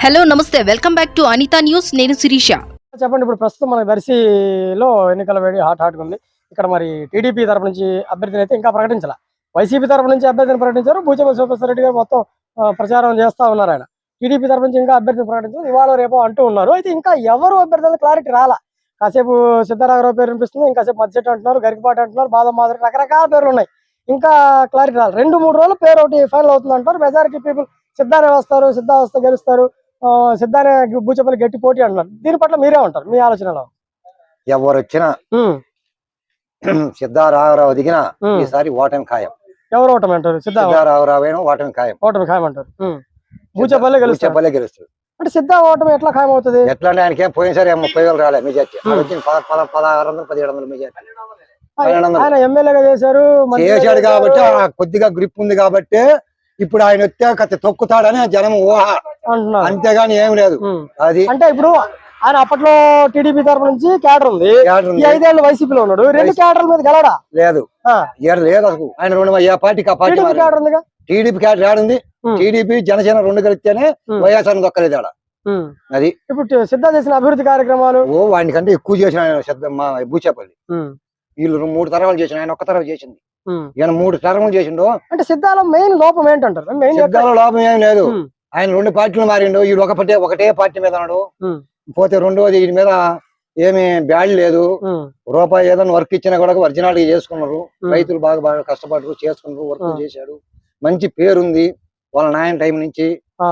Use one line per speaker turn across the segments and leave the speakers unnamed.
Hello నమస్తే welcome back to Anitha news నేను శిరీష.
చెప్పండి. ఇప్పుడు ప్రస్తుతం మన దర్శిలో ఎన్నికల వేడి హాట్ ఉంది. ఇక్కడ మరి టీడీపీ తరపు నుంచి అభ్యర్థిని అయితే ఇంకా ప్రకటించాల. వైసీపీ తరపు నుంచి అభ్యర్థిని ప్రకటించారు. బూచేపల్లి శివప్రసాద్ రెడ్డి గారు మొత్తం ప్రచారం చేస్తా ఉన్నారు. ఆయన టీడీపీ తరపు నుంచి ఇంకా అభ్యర్థిని ప్రకటించారు. ఇవాళ రేపో అంటూ ఉన్నారు. అయితే ఇంకా ఎవరు అభ్యర్థులు క్లారిటీ రాలా. కాసేపు సిద్ధారాఘరావు పేరు వినిపిస్తుంది, ఇంకాసేపు మధ్యచెట్టు అంటున్నారు, గరికపాటి అంటున్నారు, బాదం మాదిరి రకరకాల పేర్లు ఉన్నాయి. ఇంకా క్లారిటీ రాలి 2-3 రోజులు పేరు ఒకటి ఫైనల్ అవుతుంది అంటారు. మెజారిటీ పీపుల్ సిద్ధానే వస్తారు, సిద్ధా వస్తే గెలుస్తారు, సిద్ధానే బూచేపల్లి గట్టి పోటీ అంటున్నారు. దీని పట్ల మీరే ఉంటారు, మీ ఆలోచనలో?
ఎవరు వచ్చినా సిద్ధారాఘరావు దిగిన ఈసారి ఓటమి ఖాయం.
ఎవరు ఓటమి అంటారు?
సిద్ధారాఘరావు ఓటమి ఖాయం.
ఓటమి ఖాయం అంటారు. బూచేపల్లి గెలుస్తారు అంటే సిద్ధా ఓటమి ఎట్లా ఖాయం అవుతుంది?
ఎట్లా అంటే ఆయనకి పోయినసారి 30,000 రాలే మెజార్టీ, 1600 1700 మెజార్టీ.
ఆయన ఎమ్మెల్యేగా చేశారు
కాబట్టి కొద్దిగా గ్రిప్ ఉంది కాబట్టి ఇప్పుడు ఆయన వచ్చే తొక్కుతాడని జనం ఊహ, అంతేగాని ఏం లేదు. అది
అంటే ఇప్పుడు ఆయన అప్పట్లో టీడీపీ తరపు నుంచి క్యాడర్ ఉంది, 5 ఏళ్ళు వైసీపీలో ఉన్నాడు. 2 క్యాడర్ల మీద గెలడా లేదు
లేదు అసలు. ఆయన ఏ పార్టీకి ఆ పార్టీ
క్యాడర్ ఉంది,
టీడీపీ క్యాడర్ ఏడుంది. టీడీపీ జనసేన 2 కలిస్తేనే వైఎస్ఆర్ దొక్కలేదు ఆడ. అది
ఇప్పుడు సిద్ధ చేసిన అభివృద్ధి కార్యక్రమాలు
వాడి కంటే ఎక్కువ చేసిన ఆయన మా బూచేపల్లి. వీళ్ళు 3 తరాలు చేసిన, ఆయన ఒక్క తరం చేసింది. ఈయన 3 తరములు చేసిండు.
అంటే సిద్ధాలో మెయిన్ లోపం ఏంటంటారు?
సిద్ధాలో లోపం ఏం లేదు. ఆయన 2 పార్టీలు మారిండు. వీడు ఒకటే పార్టీ మీద ఉన్నాడు. పోతే రెండోది వీడి మీద ఏమి బ్యాడ్ లేదు. రూపాయి ఏదైనా వర్క్ ఇచ్చినా కూడా ఒరిజినాలిటీ చేసుకున్నారు. రైతులు బాగా కష్టపడరు, చేసుకున్నారు, వర్క్ చేశాడు. మంచి పేరుంది వాళ్ళ నాయన టైం నుంచి.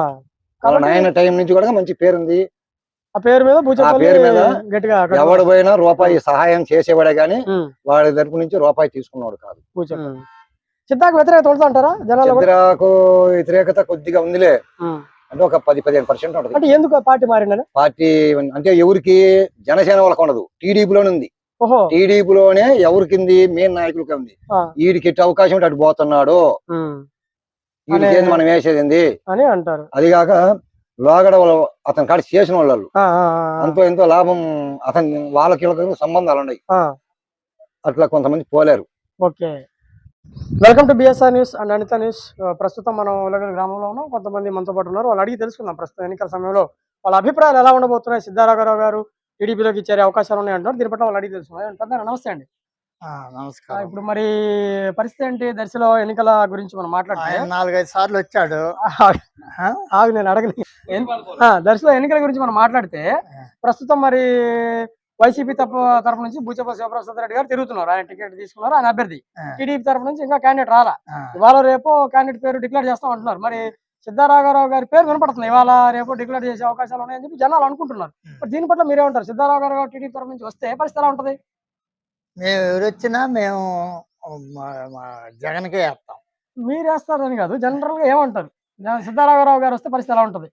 కూడా మంచి పేరుంది.
ఆ పేరు మీద గట్టిగా
ఎవడు పోయినా రూపాయి సహాయం చేసేవాడే గాని వాడి తరపు నుంచి రూపాయి తీసుకున్నాడు కాదు.
సిద్ధాకు వ్యతిరేకత అంటారా?
సిద్ధాకు వ్యతిరేకత కొద్దిగా ఉందిలే, అంటే ఒక 10-15% ఉంటుంది.
అంటే ఎందుకు పార్టీ మారిందని?
పార్టీ అంటే ఎవరికి జనసేన వాళ్ళకి ఉండదు, టీడీపీలోనే ఉంది. టీడీపీలోనే ఎవరికింది మెయిన్ నాయకులకి ఉంది. వీడికి అవకాశం ఉంటే అటు పోతున్నాడు, వీడికి మనం వేసేది
అని అంటారు.
అదిగాక లోగడ అతని కాడ చేసిన వాళ్ళు అంతో ఎంతో లాభం, అతని వాళ్ళకి సంబంధాలు ఉన్నాయి. అట్లా కొంతమంది పోలేరు.
Okay, welcome to BSR news and Anitha news. ప్రస్తుతం మనం ఉలగల్ గ్రామంలో ఉన్నాం. కొంతమంది మనతో పాటు ఉన్నారు, వాళ్ళు అడిగి తెలుసుకుందాం ప్రస్తుతం ఎన్నికల సమయంలో వాళ్ళ అభిప్రాయాలు ఎలా ఉండబోతున్నాయి. సిద్ధారాఘరావు గారు టీడీపీలోకి ఇచ్చే అవకాశాలు ఉన్నాయి అంటున్నారు. దీని పట్ల వాళ్ళు అడిగి తెలుసుకున్నారు. నమస్తే అండి.
నమస్కారం.
ఇప్పుడు మరి పరిస్థితి ఏంటి? దర్శిలో ఎన్నికల గురించి మనం మాట్లాడితే
4-5 సార్లు వచ్చాడు.
నేను అడగలేదు. దర్శిలో ఎన్నికల గురించి మనం మాట్లాడితే ప్రస్తుతం మరి వైసీపీ తరపు నుంచి బూచేపల్లి శివప్రసాద్ రెడ్డి గారు తిరుగుతున్నారు. ఆయన టికెట్ తీసుకున్నారు, ఆయన అభ్యర్థి. టీడీపీ తరపు నుంచి ఇంకా క్యాండిడేట్ రాలా. ఇవాళ రేపు క్యాండిడేట్ పేరు డిక్లేర్ చేస్తాం అంటున్నారు. మరి సిద్ధారాఘరావు గారి పేరు వినపడుతుంది. ఇవాళ రేపు డిక్లేర్ చేసే అవకాశాలు ఉన్నాయని చెప్పి జనాలు అనుకుంటున్నారు. దీని పట్ల మీరేమంటారు? సిద్ధారాఘరావు టీడీపీ తరపు నుంచి వస్తే పరిస్థితి ఎలా ఉంటది?
మేము ఎవరొచ్చినా మేము జగన్కే వేస్తాం.
మీరు వేస్తారని కాదు, జనరల్ గా ఏమంటారు? సిద్ధారాఘరావు గారు వస్తే పరిస్థితి ఎలా ఉంటది?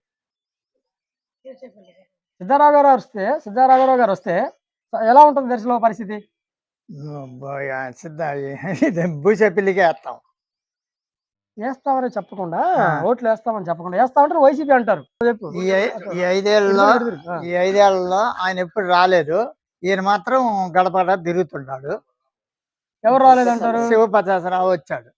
సిద్ధారాఘరావు గారు వస్తే ఎలా ఉంటుంది దర్శిలో పరిస్థితి?
బూచేపల్లికే వేస్తాం.
వేస్తామని చెప్పకుండా, ఓట్లు వేస్తామని చెప్పకుండా వేస్తామంటారు. వైసీపీ అంటారు.
ఈ 5 ఏళ్లలో ఆయన ఎప్పుడు రాలేదు. ఈయన మాత్రం గడపడ తిరుగుతున్నాడు.
ఎవరు రాలేదంటారు?
శివప్రసాదరావు వచ్చాడు.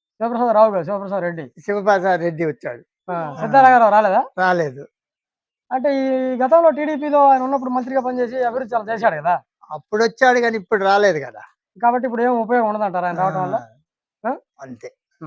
శివప్రసాద్ రెడ్డి వచ్చాడు.
సిద్ధారాఘరావు రాలేదా?
రాలేదు.
అంటే ఈ గతంలో టీడీపీలో ఆయన ఉన్నప్పుడు మంత్రిగా పనిచేసి అభివృద్ధి చాలా చేశాడు కదా.
అప్పుడు వచ్చాడు కానీ ఇప్పుడు రాలేదు కదా.
కాబట్టి ఇప్పుడు ఏం ఉపయోగం ఉండదంటారు ఆయన రావడం వల్ల?
అంతే.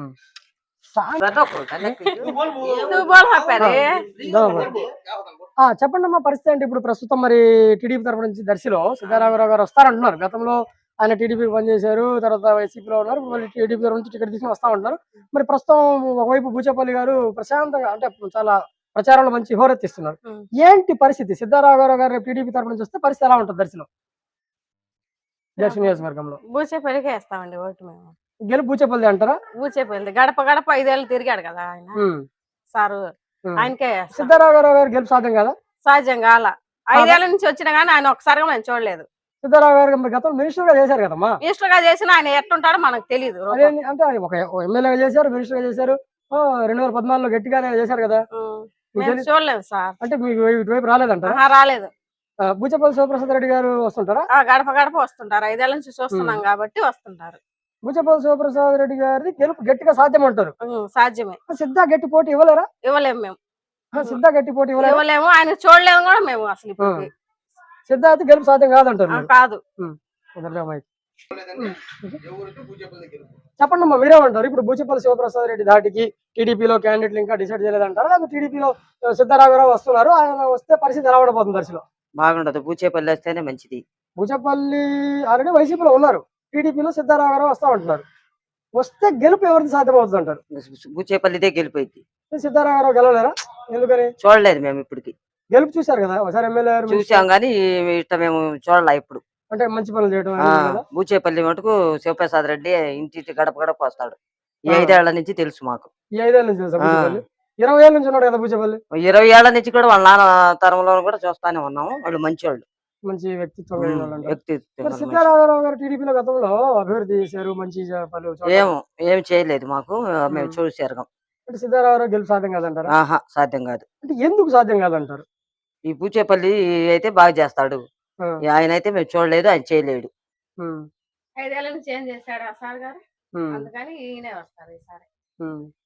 చెప్పండి అమ్మా, పరిస్థితి అంటే ఇప్పుడు ప్రస్తుతం మరి టీడీపీ తరపు నుంచి దర్శిలో సిద్ధారాఘరావు గారు వస్తారంటున్నారు. గతంలో ఆయన టీడీపీ పనిచేశారు, తర్వాత వైసీపీలో ఉన్నారు, మళ్ళీ టీడీపీ తరపు నుంచి టికెట్ తీసుకుని వస్తా ఉంటున్నారు. మరి ప్రస్తుతం ఒకవైపు బూచేపల్లి గారు ప్రశాంతంగా అంటే చాలా ప్రచారంలో మంచి హోరెత్తిస్తున్నారు. ఏంటి పరిస్థితి? సిద్ధారాఘరావు గారు టీడీపీ తరపు నుంచి వస్తే పరిస్థితి ఎలా ఉంటుంది దర్శిలో? దర్శి నియోజకవర్గంలో
బూచేపల్లికి వేస్తామండి ఓటు. మేము
గెలుపు బూచేపల్లి అంటారా?
బూచేపల్లి గడప 5 ఏళ్ళు తిరిగాడు కదా ఆయన సారు, ఆయనకే.
సిద్ధారాఘరావు గారు గెలుపు సాధ్యం కదా?
సాధ్యం కాల. 5 ఏళ్ల నుంచి వచ్చినా గానీ ఆయన ఒకసారిగా మేము చూడలేదు.
సిద్ధారాఘరావు గారు గతంలో మినిస్టర్ గా చేశారు కదమ్మా.
మినిస్టర్ గా చేసిన ఆయన ఎట్టుంటాడో మనకు తెలియదు.
అంటే ఆయన ఒక ఎమ్మెల్యేగా చేశారు, మినిస్టర్ గా చేశారు, 2014లో గట్టిగానే చేశారు కదా.
చూడలేదు సార్.
అంటే మీకు ఇటువైపు రాలేదంటారా?
రాలేదు.
బూచేపల్లి శివప్రసాద్ రెడ్డి గారు వస్తుంటారా?
గడప వస్తుంటారు. 5 ఏళ్ల నుంచి చూస్తున్నాం కాబట్టి వస్తుంటారు.
బూచేపల్లి శివప్రసాద్ రెడ్డి గారిది గెలుపు గట్టిగా సాధ్యం అంటారు.
సాధ్యమే.
సిద్ధా గట్టి పోటీ ఇవ్వలేరా?
ఇవ్వలేము మేము.
సిద్ధ గట్టి పోటీ ఇవ్వలేదు.
ఇవ్వలేము, ఆయన చూడలేము కూడా మేము అసలు ఇప్పుడు.
సిద్ధ అయితే గెలుపు సాధ్యం కాదంటారు మీరు.
కాదు.
చెప్పండి అమ్మా, మీరేమంటారు? ఇప్పుడు బూచేపల్లి శివప్రసాద్ రెడ్డి ధాటికి టీడీపీలో క్యాండిడేట్లు ఇంకా డిసైడ్ చేయలేదంటారా, లేకపోతే టీడీపీలో సిద్ధరాఘవరావు వస్తున్నారు, ఆయన వస్తే పరిస్థితి ఎలా ఉండబోతుంది దర్శలో?
బాగుండదు, బూచేపల్లి వస్తేనే మంచిది.
బూచేపల్లి ఆల్రెడీ వైసీపీలో ఉన్నారు, టీడీపీలో సిద్ధరాఘవరావు వస్తా ఉంటున్నారు. వస్తే గెలుపు ఎవరిది సాధ్యమవుతుంది అంటారు?
బూచేపల్లిదే గెలిపోయింది.
సిద్ధరాఘవరావు గెలవలేరా? ఎందుకని?
చూడలేదు మేము ఇప్పటికి.
గెలుపు చూశారు కదా ఒకసారి, ఎమ్మెల్యే
చూసాం గానీ ఇట్లా మేము చూడలే ఇప్పుడు.
అంటే మంచి పనులు చేయడం.
బూచేపల్లి మటుకు శివప్రసాద్ రెడ్డి ఇంటి గడప గడప వస్తాడు. ఈ 5 ఏళ్ల నుంచి తెలుసు మాకు.
ఈ 5 ఏళ్ల నుంచి తెలుసా బూచేపల్లి? 20 ఏళ్ల నుంచి ఉన్నాడు కదా బూచేపల్లి.
20 ఏళ్ల నుంచి కూడా వాళ్ళ నాన్న తరంలో కూడా చూస్తానే ఉన్నాము. వాళ్ళు మంచి వాళ్ళు,
మంచి వ్యక్తిత్వం కలిగిన వాళ్ళు అంటారు.
వ్యక్తిత్వం మంచి.
సిద్ధరాఘవరావు గారు టీడీపీలో గతంలో అభివృద్ధి చేశారు, మంచి పనులు
ఏం చేయలేదు మాకు, మేము చూసారు.
అంటే సిద్ధరాఘవరావు గెలుపు సాధ్యం కాదంటారా?
ఆహా, సాధ్యం కాదు.
అంటే ఎందుకు సాధ్యం కాదంటారు?
ఈ బూచేపల్లి అయితే బాగా చేస్తాడు, ఆయన అయితే మేము చూడలేదు, ఆయన చేయలేడు.
5 ఏళ్ళ నుంచి ఏం చేశాడు ఆ సార్ గారు, అందుకని ఈయనే వస్తారు ఈసారి.